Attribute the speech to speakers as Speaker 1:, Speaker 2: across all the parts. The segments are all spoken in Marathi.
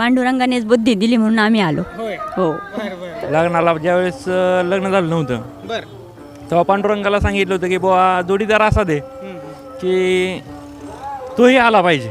Speaker 1: पांडुरंगानेच बुद्धी दिली म्हणून आम्ही आलो.
Speaker 2: होय.
Speaker 1: हो.
Speaker 3: लग्नाला ज्यावेळेस लग्न झालं नव्हतं
Speaker 2: बर.
Speaker 3: तेव्हा पांडुरंगाला सांगितलं होतं की बुवा जोडीदार असा दे की तोही आला पाहिजे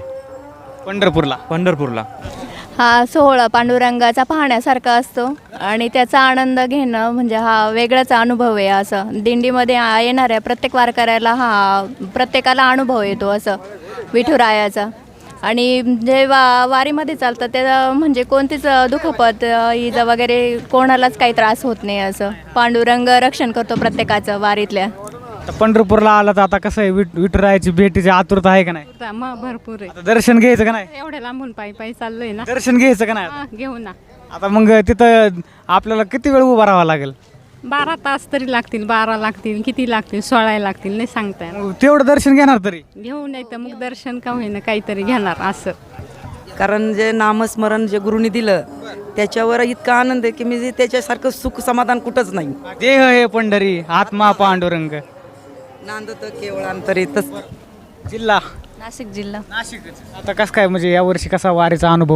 Speaker 3: पंढरपूरला.
Speaker 4: हा सोहळा पांडुरंगाचा पाहण्यासारखा असतो आणि त्याचा आनंद घेणं म्हणजे हा वेगळाच अनुभव आहे. असं दिंडीमध्ये येणाऱ्या प्रत्येक वारकऱ्याला प्रत्येकाला अनुभव येतो असं विठुरायाचा. आणि जेव्हा वारीमध्ये चालतं त्याला म्हणजे कोणतीच दुखापत इजा वगैरे कोणालाच काही त्रास होत नाही. असं पांडुरंग रक्षण करतो प्रत्येकाचं वारीतल्या.
Speaker 2: आता पंढरपूरला आला तर आता कसं आहे विठुरायाची भेटीची आतुरता आहे का नाही?
Speaker 5: मग भरपूर आहे.
Speaker 2: आता दर्शन घ्यायचं का नाही?
Speaker 5: एवढ्या लांबून पायी पायी चाललोय ना.
Speaker 2: दर्शन घ्यायचं का नाही?
Speaker 5: घेऊ ना.
Speaker 2: आता मग तिथं आपल्याला किती वेळ उभा राहावं लागेल?
Speaker 5: 12 तास तरी लागतील. 12 लागतील, किती लागतील, 16 लागतील, नाही सांगता येणार.
Speaker 2: मग तेवढं दर्शन घेणार तरी?
Speaker 5: घेऊ नाही तर मग दर्शन का होईना काहीतरी घेणार असं.
Speaker 6: कारण जे नामस्मरण जे गुरुनी दिलं त्याच्यावर इतका आनंद आहे की मी त्याच्यासारखं सुख समाधान कुठंच नाही.
Speaker 2: देह हे पंढरी आत्मा पांडुरंग.
Speaker 6: नांदत केवळ अंतरितच.
Speaker 2: जिल्हा
Speaker 4: नाशिक जिल्हा.
Speaker 2: आता कसं काय म्हणजे यावर्षी कसा वारीचा अनुभव?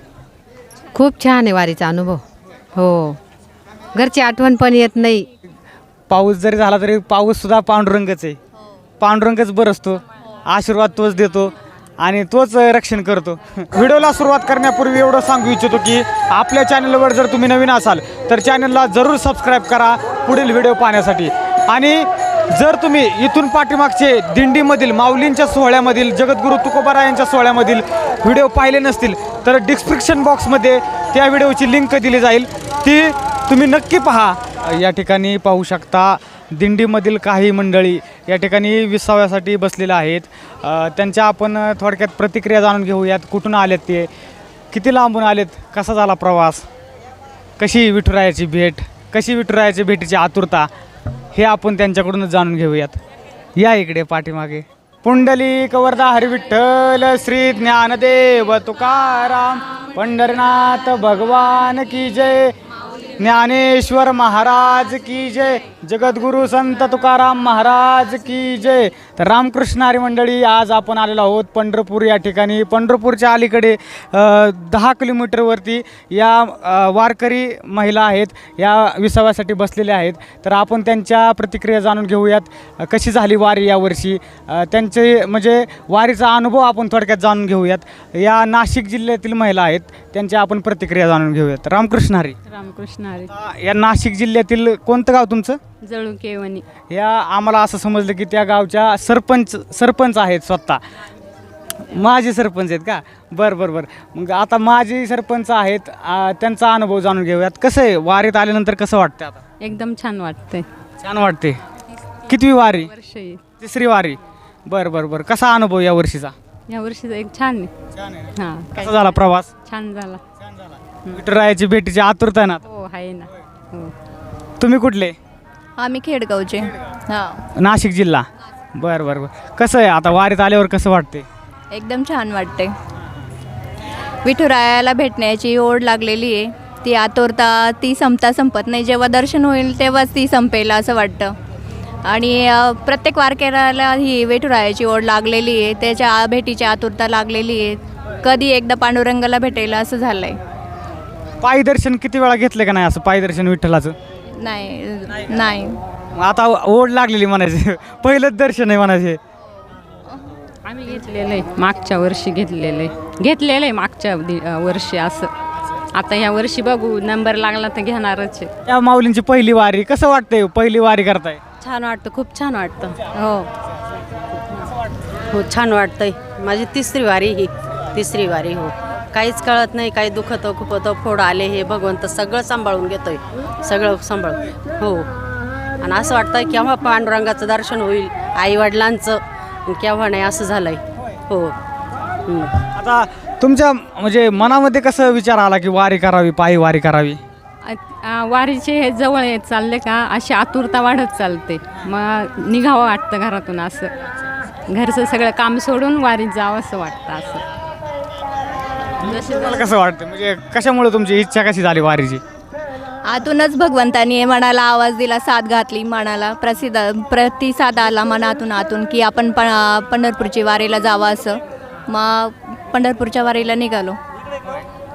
Speaker 7: खूप छान आहे वारीचा अनुभव. हो, घरची आठवण पण येत नाही.
Speaker 2: पाऊस जरी झाला तरी पाऊस सुद्धा पांडुरंगच आहे. पांडुरंगच बरसतो, आशीर्वाद तोच देतो आणि तोच रक्षण करतो. व्हिडिओला सुरुवात करण्यापूर्वी एवढं सांगू इच्छितो की आपल्या चॅनलवर जर तुम्ही नवीन असाल तर चॅनलला जरूर सबस्क्राईब करा पुढील व्हिडिओ पाहण्यासाठी. आणि जर तुम्ही इथून पाठीमागचे दिंडीमधील माऊलींच्या सोहळ्यामधील जगद्गुरू तुकोबाराय यांच्या सोहळ्यामधील व्हिडिओ पाहिले नसतील तर डिस्क्रिप्शन बॉक्समध्ये त्या व्हिडिओची लिंक दिली जाईल, ती तुम्ही नक्की पहा. या ठिकाणी पाहू शकता दिंडीमधील काही मंडळी या ठिकाणी विसाव्यासाठी बसलेल्या आहेत. त्यांच्या आपण थोडक्यात प्रतिक्रिया जाणून घेऊयात. कुठून आलेत ते, किती लांबून आलेत, कसा झाला प्रवास, कशी विठुरायाची भेट, कशी विठुरायाची भेटीची आतुरता, हे आपण त्यांच्याकडूनच जाणून घेऊयात. या इकडे पाठीमागे. पुंडलिक वरदा हरी विठ्ठल श्री ज्ञानदेव तुकाराम पंढरनाथ भगवान की जय, ज्ञानेश्वर महाराज की जय, जगद्गुरु संत तुकाराम महाराज की जय. तर रामकृष्ण हरी मंडळी, आज आपण आलेलो आहोत पंढरपूर या ठिकाणी. पंढरपूरच्या अलीकडे 10 किलोमीटरवरती या वारकरी महिला आहेत, या विसाव्यासाठी बसलेल्या आहेत. तर आपण त्यांच्या प्रतिक्रिया जाणून घेऊयात. कशी झाली वारी यावर्षी, त्यांचे म्हणजे वारीचा अनुभव आपण थोडक्यात जाणून घेऊयात. या नाशिक जिल्ह्यातील महिला आहेत, त्यांच्या आपण प्रतिक्रिया जाणून घेऊयात. रामकृष्ण हरी.
Speaker 5: रामकृष्ण हरी.
Speaker 2: या नाशिक जिल्ह्यातील कोणतं गाव तुमचं?
Speaker 5: जळुकेवणी.
Speaker 2: या आम्हाला असं समजलं की त्या गावच्या सरपंच आहेत स्वतः. माजी सरपंच आहेत का? बरं. मग आता माजी सरपंच आहेत, त्यांचा अनुभव जाणून घेऊयात. कसं आहे वारीत आल्यानंतर, कसं वाटतं आता?
Speaker 5: एकदम छान वाटतंय.
Speaker 2: छान वाटते. कितवी वारी?
Speaker 5: वर्ष आहे.
Speaker 2: तिसरी वारी. बरं. कसा अनुभव या वर्षीचा?
Speaker 5: या वर्षीचा एक छान आहे. हां.
Speaker 2: कसा झाला प्रवास?
Speaker 5: छान झाला.
Speaker 2: विठुरायाची भेटीची आतुरता आहे ना?
Speaker 5: हो आहे ना. हो.
Speaker 2: तुम्ही कुठले?
Speaker 4: आम्ही खेडगावचे. हां.
Speaker 2: नाशिक जिल्हा. बरं. कसं आहे आता वारीत आल्यावर कसं वाटते?
Speaker 4: एकदम छान वाटते. विठुरायाला भेटण्याची ओढ लागलेली आहे. ती आतुरता ती संपत नाही. जेव्हा दर्शन होईल तेव्हाच ती संपेल असं वाटतं. आणि प्रत्येक वारकऱ्याला ही विठुरायाची ओढ लागलेली आहे, त्याच्या भेटीची आतुरता लागलेली आहे. कधी एकदा पांडुरंगाला भेटायला असं झालं आहे.
Speaker 2: पायी दर्शन किती वेळा घेतलं का नाही असं पायी दर्शन विठ्ठलाचं?
Speaker 4: नाही.
Speaker 2: आता ओढ लागलेली म्हणायचे, पहिलंच दर्शन आहे म्हणायचे.
Speaker 5: आम्ही घेतलेलं आहे, मागच्या वर्षी घेतलेलं आहे मागच्या वर्षी. असं आता ह्या वर्षी बघू, नंबर लागला तर घेणारच आहे.
Speaker 2: या माऊलींची पहिली वारी, कसं वाटतंय पहिली वारी करताय?
Speaker 8: छान वाटतं, खूप छान वाटतं. हो छान वाटतंय. माझी तिसरी वारी. हो, काहीच कळत नाही, काही दुखतं खुपतं, फोड आले, हे भगवंत सगळं सांभाळून घेतोय, सगळं सांभाळून. हो, आणि असं वाटतं केव्हा पांडुरंगाचं दर्शन होईल, आईवडिलांचं, केव्हा नाही, असं झालंय. हो.
Speaker 2: आता तुमच्या म्हणजे मनामध्ये कसं विचार आला की वारी करावी, पायी वारी करावी?
Speaker 5: वारीचे हे जवळ येत चालले का अशी आतुरता वाढत चालते. मग निघावं वाटतं घरातून. असं घरचं सगळं काम सोडून वारीत जावं असं वाटतं. असं
Speaker 2: तुम्हाला कसं वाटतं, म्हणजे कशामुळे तुमची इच्छा कशी झाली वारीची?
Speaker 4: आतूनच भगवंतानी मनाला आवाज दिला, साथ घातली, मनाला प्रतिसाद आला मनातून की आपण पंढरपूरची वारीला जावं असं. मग पंढरपूरच्या वारीला निघालो.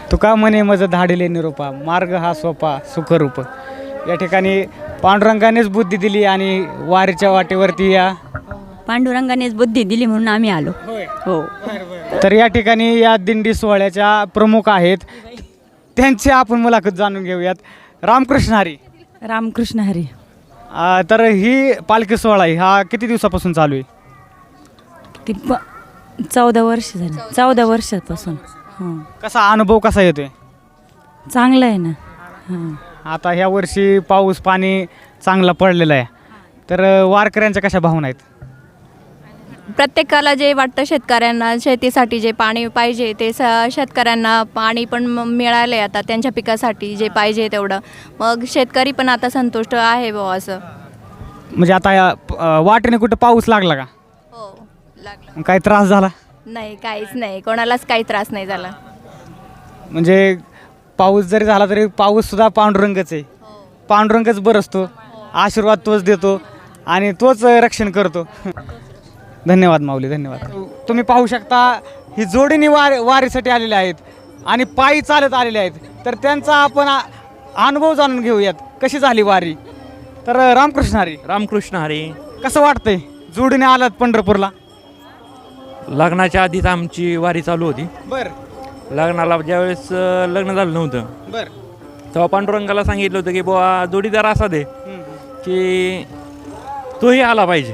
Speaker 2: तुका म्हणे मज धाडिले निरोपा मार्ग हा सोपा सुखरूप. या ठिकाणी पांडुरंगानेच बुद्धी दिली आणि वारीच्या वाटेवरती या
Speaker 1: पांडुरंगानेच बुद्धी दिली म्हणून आम्ही आलो. हो.
Speaker 2: तर या ठिकाणी या दिंडी सोहळ्याच्या प्रमुख आहेत, त्यांची आपण मुलाखत जाणून घेऊयात. रामकृष्ण हरी.
Speaker 9: रामकृष्ण हरी.
Speaker 2: तर ही पालखी सोहळा आहे, हा किती दिवसापासून चालू आहे?
Speaker 9: ती 14 वर्ष झाली, 14 वर्षापासून. हां,
Speaker 2: कसा अनुभव कसा येतोय?
Speaker 9: चांगलं आहे ना. हां,
Speaker 2: आता ह्या वर्षी पाऊस पाणी चांगला पडलेला आहे, तर वारकऱ्यांच्या कशा भावना आहेत?
Speaker 4: प्रत्येकाला जे वाटतं शेतकऱ्यांना शेतीसाठी जे पाणी पाहिजे ते शेतकऱ्यांना पाणी पण मिळाले आता त्यांच्या पिकासाठी जे पाहिजे तेवढं. मग शेतकरी पण आता संतुष्ट आहे बुवा असं.
Speaker 2: म्हणजे आता या वाटेने कुठं पाऊस लागला का?
Speaker 4: हो, लागलं.
Speaker 2: काही त्रास झाला?
Speaker 4: नाही, काहीच नाही, कोणालाच काही त्रास नाही झाला.
Speaker 2: म्हणजे पाऊस जरी झाला तरी पाऊस सुद्धा पांडुरंगच आहे. पांडुरंगच बरसतो, आशीर्वाद तोच देतो आणि तोच रक्षण करतो. धन्यवाद माऊली, धन्यवाद. तुम्ही पाहू शकता ही जोडीने वारीसाठी आलेले आहेत आणि पायी चालत आलेले आहेत. तर त्यांचा आपण अनुभव जाणून घेऊयात, कशी झाली वारी. तर रामकृष्ण हरी.
Speaker 3: रामकृष्ण हरी.
Speaker 2: कसं वाटतंय जोडीने आलात पंढरपूरला?
Speaker 3: लग्नाच्या आधीच आमची वारी चालू होती.
Speaker 2: बरं
Speaker 3: लग्नाला ज्यावेळेस लग्न झालं नव्हतं
Speaker 2: बरं.
Speaker 3: तेव्हा पांडुरंगाला सांगितलं होतं की बुवा जोडीदार असा दे की तोही आला पाहिजे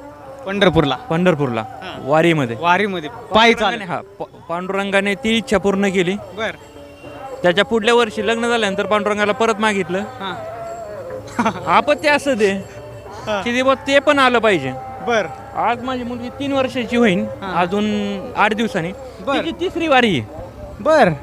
Speaker 3: पंढरपूरला वारीमध्ये.
Speaker 2: पायी चालत.
Speaker 3: हा, पांडुरंगाने ती इच्छा पूर्ण केली.
Speaker 2: बरं.
Speaker 3: त्याच्या पुढल्या वर्षी लग्न झाल्यानंतर पांडुरंगाला परत मागितलं आपत्ती असं दे की ते बुवा ते पण आलं पाहिजे.
Speaker 2: बरं.
Speaker 3: आज माझी मुलगी 3 वर्षाची होईल अजून 8 दिवसांनी.
Speaker 2: बरं.
Speaker 3: तिची 3री वारी आहे.
Speaker 2: बरं.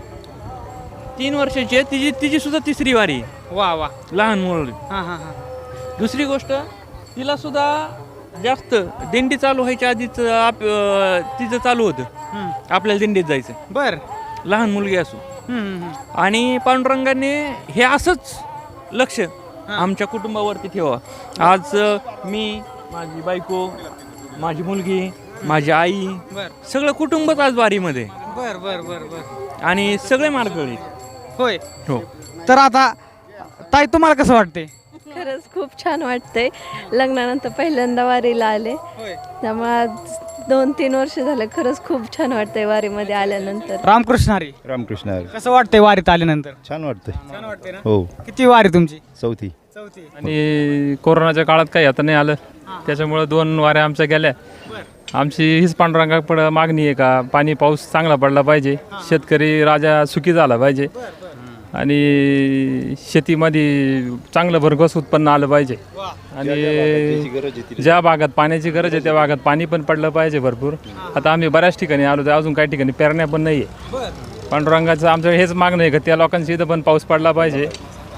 Speaker 3: 3 वर्षाची आहे, तिची सुद्धा 3री वारी आहे.
Speaker 2: वा वा.
Speaker 3: लहान मुलं.
Speaker 2: हां हां हां.
Speaker 3: दुसरी गोष्ट, तिला सुद्धा जास्त दिंडी चालू व्हायच्या आधीच तिचं चालू होतं आपल्याला दिंडीत जायचं.
Speaker 2: बरं.
Speaker 3: लहान मुलगी असो. आणि पांडुरंगाने हे असंच लक्ष आमच्या कुटुंबावरती ठेवा. आज मी, माझी बायको, माझी मुलगी, माझी आई, सगळं कुटुंबच आज वारीमध्ये.
Speaker 2: बरं बरं बरं बरं.
Speaker 3: आणि सगळे मार्गळी.
Speaker 2: होय.
Speaker 3: हो.
Speaker 2: तर आता ताई तुम्हाला कसं वाटते?
Speaker 10: खरंच खूप छान वाटतंय. लग्नानंतर पहिल्यांदा वारीला आले, त्यामुळे 2-3 वर्ष झालं. खरंच खूप छान वाटतंय वारीमध्ये आल्यानंतर.
Speaker 2: रामकृष्ण हरी.
Speaker 11: रामकृष्ण हरी.
Speaker 2: कसं वाटतंय वारीत आल्यानंतर?
Speaker 11: छान वाटतंय.
Speaker 2: छान वाटते ना?
Speaker 11: हो.
Speaker 2: किती वारी तुमची?
Speaker 11: चौथी.
Speaker 12: आणि कोरोनाच्या काळात काही आता नाही आलं, त्याच्यामुळं 2 वाऱ्या आमच्या गेल्या. आमची हीच पांडुरंगाकडं मागणी आहे का पाणी पाऊस चांगला पडला पाहिजे, शेतकरी राजा सुखी झाला पाहिजे आणि शेतीमध्ये चांगलं भरघोस उत्पन्न आलं पाहिजे. आणि ज्या भागात पाण्याची गरज आहे त्या भागात पाणी पण पडलं पाहिजे भरपूर. आता आम्ही बऱ्याच ठिकाणी आलो तर अजून काही ठिकाणी पेरण्या पण नाही आहे. पांडुरंगाचं आमचं हेच मागणं आहे का त्या लोकांची इथं पण पाऊस पडला पाहिजे.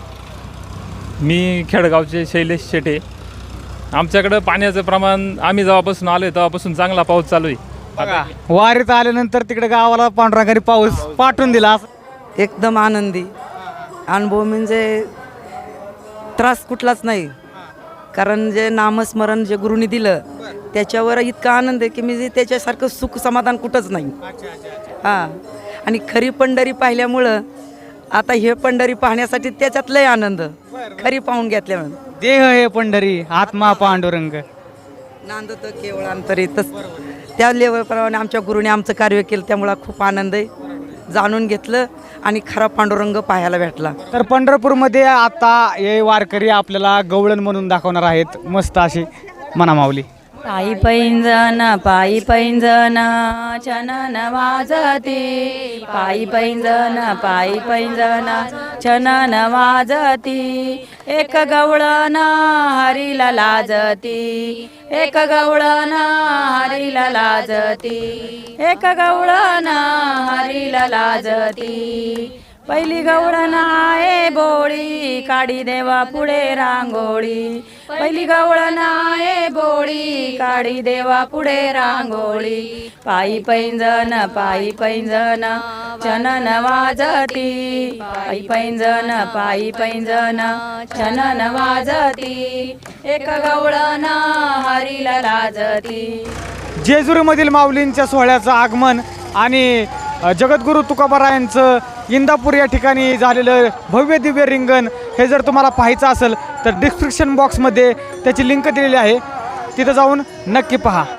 Speaker 12: मी खेडगावचे शैलेश शेटे. आमच्याकडं पाण्याचं प्रमाण आम्ही जेव्हापासून आलो आहे तेव्हापासून चांगला पाऊस चालू आहे.
Speaker 2: वारीत आल्यानंतर तिकडे गावाला पांडुरंगाने पाऊस पाठवून दिला.
Speaker 6: एकदम आनंदी अनुभव, म्हणजे त्रास कुठलाच नाही. कारण जे नामस्मरण जे गुरुनी दिलं त्याच्यावर इतका आनंद आहे की मी त्याच्यासारखं सुख समाधान कुठंच नाही. हां, आणि खरी पंढरी पाहिल्यामुळं आता हे पंढरी पाहण्यासाठी त्याच्यात लय आनंद. खरी पाहून घेतल्यामुळे
Speaker 2: देह हे पंढरी आत्मा पांडुरंग
Speaker 6: नांदत केवळ अंतरीतच. त्या लेवलप्रमाणे आमच्या गुरुने आमचं कार्य केलं, त्यामुळं खूप आनंद आहे. जाणून घेतलं आणि खरा पांडुरंग पाहायला भेटला.
Speaker 2: तर पंढरपूरमध्ये आता हे वारकरी आपल्याला गवळण म्हणून दाखवणार आहेत. मस्त अशी म्हणा माऊली.
Speaker 9: पायी पैंजन पायी पैंजन छनन वाजते, पायी पैंजन पायी पैंजन छनन वाजती, एक गवळण हरीला लाजती, एक गवळण हरीला लाजती, एक गवळण हरीला लाजती. पहिली गवळण आहे बोळी काढी देवा पुढे रांगोळी, पहिली गवळण आहे बोळी काढी देवा पुढे रांगोळी. पायी पैंजन छनन वाजती, पायी पैंजन छनन वाजती, एक गवळण हरीला लाजती.
Speaker 2: जेजुरीमधील माऊलींच्या सोहळ्याचं आगमन आणि जगद्गुरू तुकोबारायांचं इंदापूर या ठिकाणी झालेलं भव्य दिव्य रिंगण हे जर तुम्हाला पाहायचं असेल तर डिस्क्रिप्शन बॉक्समध्ये त्याची लिंक दिलेली आहे, तिथं जाऊन नक्की पहा.